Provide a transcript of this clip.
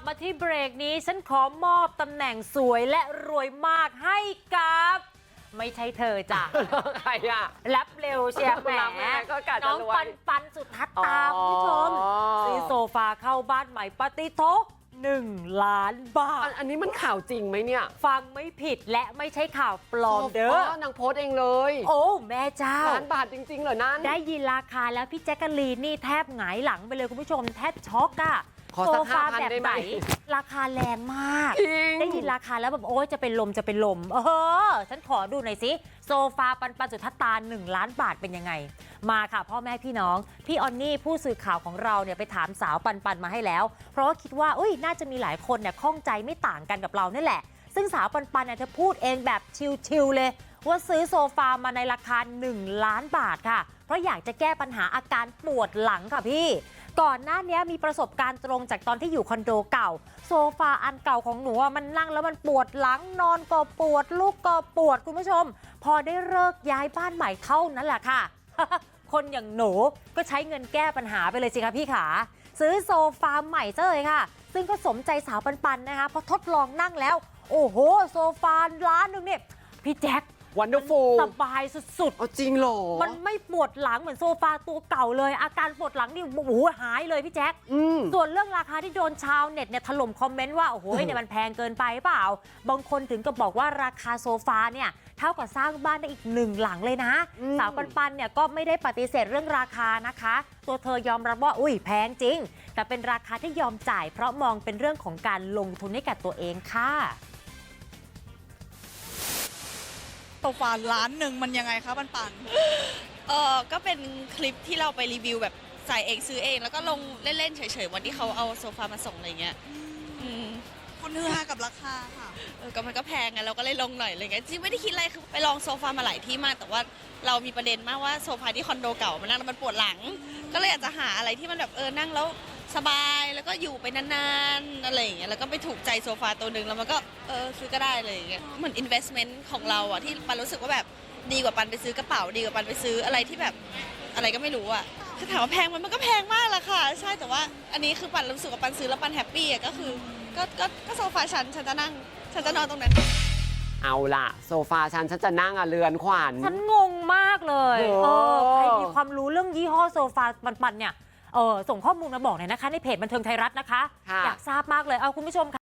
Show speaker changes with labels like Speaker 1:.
Speaker 1: มาที่เบรกนี้ฉันขอมอบตำแหน่งสวยและรวยมากให้กับไม่ใช่เธอจ้ะ
Speaker 2: ใครอ่ะ
Speaker 1: รับเร็วเชียร์แหม
Speaker 2: ก็กะจะ
Speaker 1: น้อง
Speaker 2: รวย
Speaker 1: ปันสุทัศตาคุณผู้ชมซื้อโซฟาเข้าบ้านใหม่ปฏิโท1 ล้านบาท
Speaker 2: อันนี้มันข่าวจริงไหมเนี่ย
Speaker 1: ฟังไม่ผิดและไม่ใช่ข่าวปลอมเด้
Speaker 2: อนางโพสต์เองเลย
Speaker 1: โอ้แม่เจ้า
Speaker 2: 1 ล้านบาทจริงๆเหรอนั่น
Speaker 1: ได้ยินราคาแล้วพี่แจ๊กกะลีนนี่แทบหงายหลังไปเลยคุณผู้ชมแทบช็อกอะ
Speaker 2: ขอ
Speaker 1: โซ
Speaker 2: สัก
Speaker 1: ฟา
Speaker 2: 5,000
Speaker 1: แบบ
Speaker 2: ได้ไห
Speaker 1: ไห
Speaker 2: ม
Speaker 1: นราคาแรงมาก
Speaker 2: จริง
Speaker 1: ได้ยินราคาแล้วแบบโอ๊ยจะเป็นลมฉันขอดูหน่อยสิโซฟาปันสุทัศตา1 ล้านบาทเป็นยังไงมาค่ะพ่อแม่พี่น้องพี่ออนนี่ผู้สื่อข่าวของเราเนี่ยไปถามสาวปันมาให้แล้วเพราะว่าคิดว่าน่าจะมีหลายคนเนี่ยข้องใจไม่ต่างกันกับเรานี่แหละซึ่งสาวปันเนี่ยเธอพูดเองแบบชิลๆเลยว่าซื้อโซฟามาในราคา1 ล้านบาทค่ะเพราะอยากจะแก้ปัญหาอาการปวดหลังค่ะพี่ก่อนหน้านี้มีประสบการณ์ตรงจากตอนที่อยู่คอนโดเก่าโซฟาอันเก่าของหนูมันนั่งแล้วมันปวดหลังนอนก็ปวดลุกก็ปวดคุณผู้ชมพอได้เลิกย้ายบ้านใหม่เท่านั้นแหละค่ะ คนอย่างหนูก็ใช้เงินแก้ปัญหาไปเลยสิคะพี่ขาซื้อโซฟาใหม่ซะเลยค่ะซึ่งก็สมใจสาวปันนะคะพอทดลองนั่งแล้วโอ้โหโซฟาล้านหนึ่งเนี่ยพี่แจ็ค
Speaker 2: Wonderful
Speaker 1: สบายสุด
Speaker 2: จริงเหรอ
Speaker 1: มันไม่ปวดหลังเหมือนโซฟาตัวเก่าเลยอาการปวดหลังนี่โอ้โหหายเลยพี่แจ๊คส่วนเรื่องราคาที่โดนชาวเน็ตเนี่ยถล่มคอมเมนต์ว่าโอ้โหเนี่ยมันแพงเกินไปเปล่าบางคนถึงกับบอกว่าราคาโซฟาเนี่ยเท่ากับสร้างบ้านได้อีก1 หลังเลยนะสาวปันเนี่ยก็ไม่ได้ปฏิเสธเรื่องราคานะคะตัวเธอยอมรับว่าแพงจริงแต่เป็นราคาที่ยอมจ่ายเพราะมองเป็นเรื่องของการลงทุนให้กับตัวเองค่ะ
Speaker 3: โซฟา1 ล้านมันยังไงคะปัน
Speaker 4: ก็เป็นคลิปที่เราไปรีวิวแบบใส่เองซื้อเองแล้วก็ลงเล่นๆเฉยๆวันที่เขาเอาโซฟามาส่งอะไรเงี้ย
Speaker 3: คนฮือฮากับราคาค่ะ
Speaker 4: ก็มันก็แพงไงเราก็เลยลงหน่อยอะไรเงี้ยจริงไม่ได้คิดอะไรคือไปลองโซฟามาหลายที่มากแต่ว่าเรามีประเด็นมากว่าโซฟาที่คอนโดเก่ามันนั่งแล้วมันปวดหลังก็เลยอยากจะหาอะไรที่มันแบบนั่งแล้วสบายแล้วก็อยู่ไปนานๆอะไรอย่างเงี้ยแล้วก็ไปถูกใจโซฟาตัวหนึ่งแล้วมันก็ซื้อก็ได้เลยอย่างเงี้ยเหมือน investment ของเราอะที่ปันรู้สึกว่าแบบดีกว่าปันไปซื้อกระเป๋าดีกว่าปันไปซื้ออะไรที่แบบอะไรก็ไม่รู้อะคือถามว่าแพงมันก็แพงมากแหละค่ะใช่แต่ว่าอันนี้คือปันรู้สึกว่าปันซื้อแล้วปันแฮปปี้อะก็คือก็โซฟาฉันจะนั่งฉันจะนอนตรงนั้น
Speaker 2: เอาล่ะโซฟาฉันจะนั่งเรือนขวัญ
Speaker 1: ฉันงงมากเลยใครมีความรู้เรื่องยี่ห้อโซฟาปันเนี่ยส่งข้อมูลมาบอกหน่อยนะคะในเพจบันเทิงไทยรัฐนะคะอยากทราบมากเลยเอาคุณผู้ชมค่ะ